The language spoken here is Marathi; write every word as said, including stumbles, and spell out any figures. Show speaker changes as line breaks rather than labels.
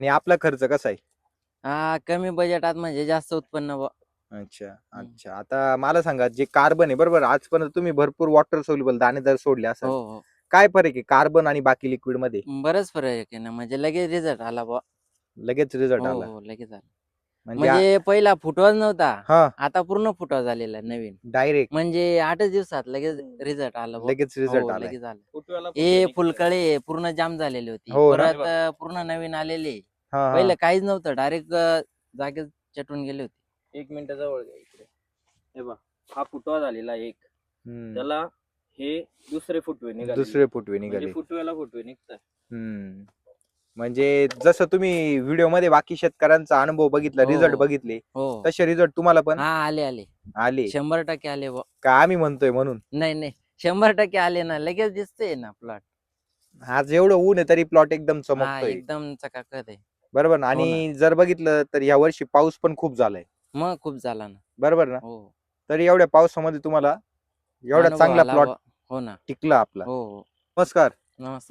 आणि आपला खर्च कसा आहे?
हा कमी बजेटात म्हणजे जास्त उत्पन्न बुवा.
अच्छा,
हं.
अच्छा. आता मला सांगा जे कार्बन आहे बरोबर आजपर्यंत तुम्ही भरपूर वॉटर सोल्युबल दाणेदार सोडले
हो,
असाल.
हो.
काय फरक आहे कार्बन आणि बाकी लिक्विडमध्ये?
बराच फरक आहे ना, म्हणजे लगेच रिझल्ट आला बुवा.
लगेच रिझल्ट
हो,
आला.
हो. लगेच आला.
म्हणजे आ
म्हणजे पहिला फुटवाच नव्हता.
हां.
आता पूर्ण फुटवा झालेला आहे नवीन.
डायरेक्ट.
म्हणजे आठच दिवसात लगेच रिझल्ट आला बुवा.
लगेच रिझल्ट
हो,
आलाय.
लगेच आलं.
फुटव्याला
हे
फुटवे निघताय.
फुलकळे पूर्ण जाम झालेली होती.
हो ना?
परत अ, पूर्ण नवीन आलेली.
हां,
पहिलं
हां.
काहीच नव्हतं. डायरेक्ट अ, जागेच चटून गेले होते.
एक मिनिट जवळ घ्या इकडे. हे बघ, हा फुटवा झालेला एक.
हं.
त्याला हे दुसरे फुटवे निघाले.
दुसरे फुटवे
म्हणजे
निघाले.
फुटव्याला फुटवे निघताय.
हं. म्हणजे जसं तुम्ही व्हिडिओमध्ये बाकी शेतकऱ्यांचा अनुभव बघितला,
हो,
रिझल्ट
हो.
बघितले,
हो.
तसे रिझल्ट तुम्हाला पण
हां, आले, आले.
आले?
शंभर टक्के आले बुवा.
का आम्ही म्हणतोय म्हणून?
नाही, नाही. शंभर टक्के आले ना. लगेच दिसतंय ना प्लॉट.
आज एवढं ऊन आहे तरी प्लॉट एकदम
हां,
चमकतोय.
एकदम चकाकत आहे.
बरोबर ना?
हो ना.
आणि जर बघितलं तर यावर्षी पाऊस पण खूप झालाय.
मग खूप झाला ना.
बरोबर ना?
हो.
तरी एवढ्या पावसामध्ये तुम्हाला एवढा
अनुभव
चांगला
आला
प्लॉट
बुवा. हो ना.
टिकला आपला.
हो, हो.
नमस्कार.
नमस्कार.